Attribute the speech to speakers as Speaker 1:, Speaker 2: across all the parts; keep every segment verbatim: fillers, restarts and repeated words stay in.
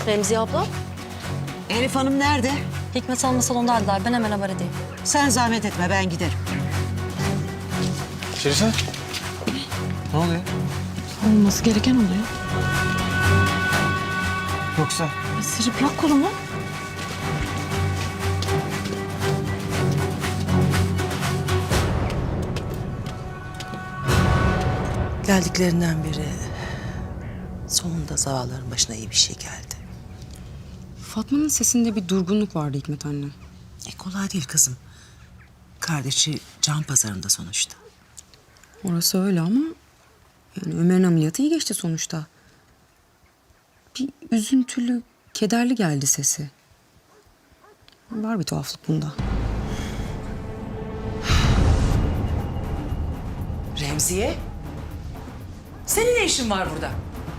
Speaker 1: Remziye abla,
Speaker 2: Elif Hanım nerede?
Speaker 1: Hikmet Hanım'la salondaydılar. Ben hemen haber edeyim.
Speaker 2: Sen zahmet etme, ben giderim.
Speaker 3: Şerife. Ne oluyor?
Speaker 4: Olması gereken oluyor.
Speaker 3: Yoksa?
Speaker 4: Sırıplak kolumu.
Speaker 2: Geldiklerinden beri sonunda zavallıların başına iyi bir şey geldi.
Speaker 5: Fatma'nın sesinde bir durgunluk vardı Hikmet anne.
Speaker 2: E kolay değil kızım. Kardeşi can pazarında sonuçta.
Speaker 5: Orası öyle ama yani Ömer'in ameliyatı iyi geçti sonuçta. Bir üzüntülü, kederli geldi sesi. Var bir tuhaflık bunda.
Speaker 2: Remziye, senin ne işin var burada?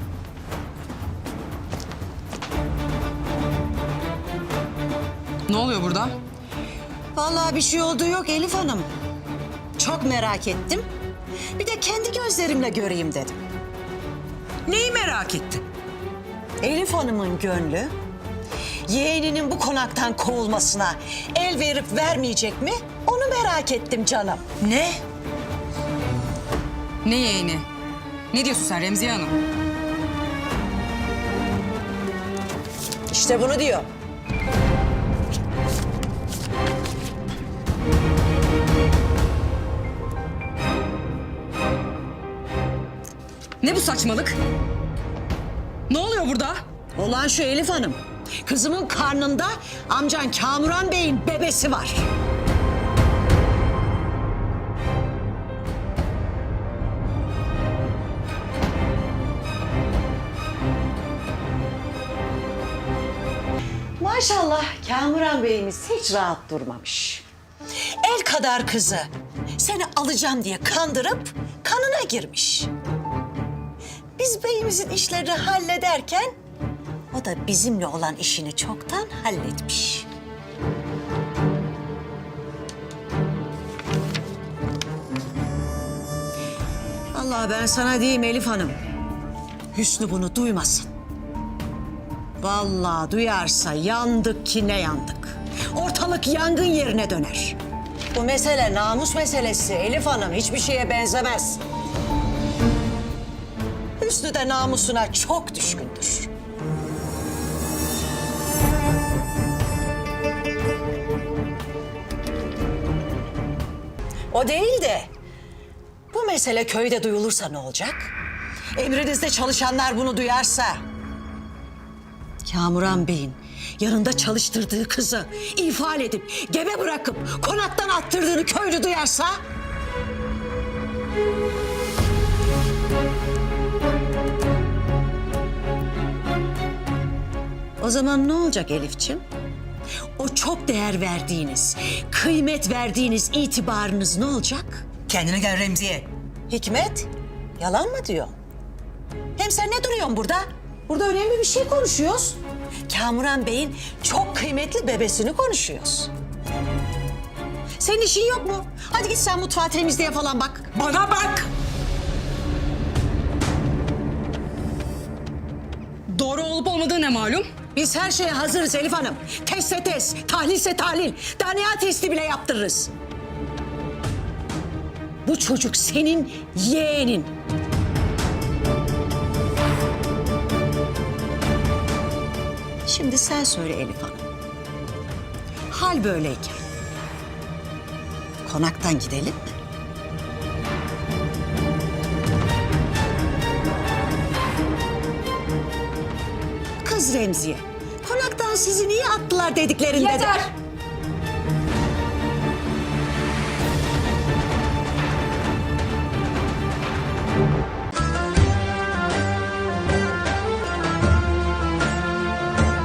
Speaker 5: Ne oluyor burada?
Speaker 2: Vallahi bir şey olduğu yok Elif Hanım. Çok merak ettim. Bir de kendi gözlerimle göreyim dedim. Neyi merak ettin? Elif Hanım'ın gönlü yeğeninin bu konaktan kovulmasına el verip vermeyecek mi? Onu merak ettim canım. Ne?
Speaker 5: Ne yeğeni? Ne diyorsun sen Remziye Hanım?
Speaker 2: İşte bunu diyor.
Speaker 5: Ne bu saçmalık? Ne oluyor burada?
Speaker 2: Olan şu Elif Hanım. Kızımın karnında amcan Kamuran Bey'in bebesi var. Maşallah Kamuran Bey'imiz hiç rahat durmamış. El kadar kızı seni alacağım diye kandırıp kanına girmiş. Biz beyimizin işlerini hallederken o da bizimle olan işini çoktan halletmiş. Vallahi ben sana diyeyim Elif Hanım. Hüsnü bunu duymasın. Vallahi duyarsa yandık ki ne yandık. Ortalık yangın yerine döner. Bu mesele namus meselesi Elif Hanım, hiçbir şeye benzemez. Hüsnü de namusuna çok düşkündür. O değil de bu mesele köyde duyulursa ne olacak? Emrinizde çalışanlar bunu duyarsa... Kamuran Bey'in yanında çalıştırdığı kızı ifade edip gebe bırakıp konaktan attırdığını köylü duyarsa... O zaman ne olacak Elifçim? O çok değer verdiğiniz, kıymet verdiğiniz itibarınız ne olacak? Kendine gel Remziye. Hikmet, yalan mı diyor? Hem sen ne duruyorsun burada? Burada önemli bir şey konuşuyoruz. Kamuran Bey'in çok kıymetli bebesini konuşuyoruz. Senin işin yok mu? Hadi git sen mutfağı temizliğe falan bak. Bana bak!
Speaker 5: Doğru olup olmadığı ne malum?
Speaker 2: Biz her şeye hazırız Elif Hanım. Testse test, tahlilse tahlil, D N A testi bile yaptırırız. Bu çocuk senin yeğenin. Şimdi sen söyle Elif Hanım. Hal böyleyken konaktan gidelim mi? Kız Remziye, konaktan sizi niye attılar dediklerinde de...
Speaker 4: Yeter!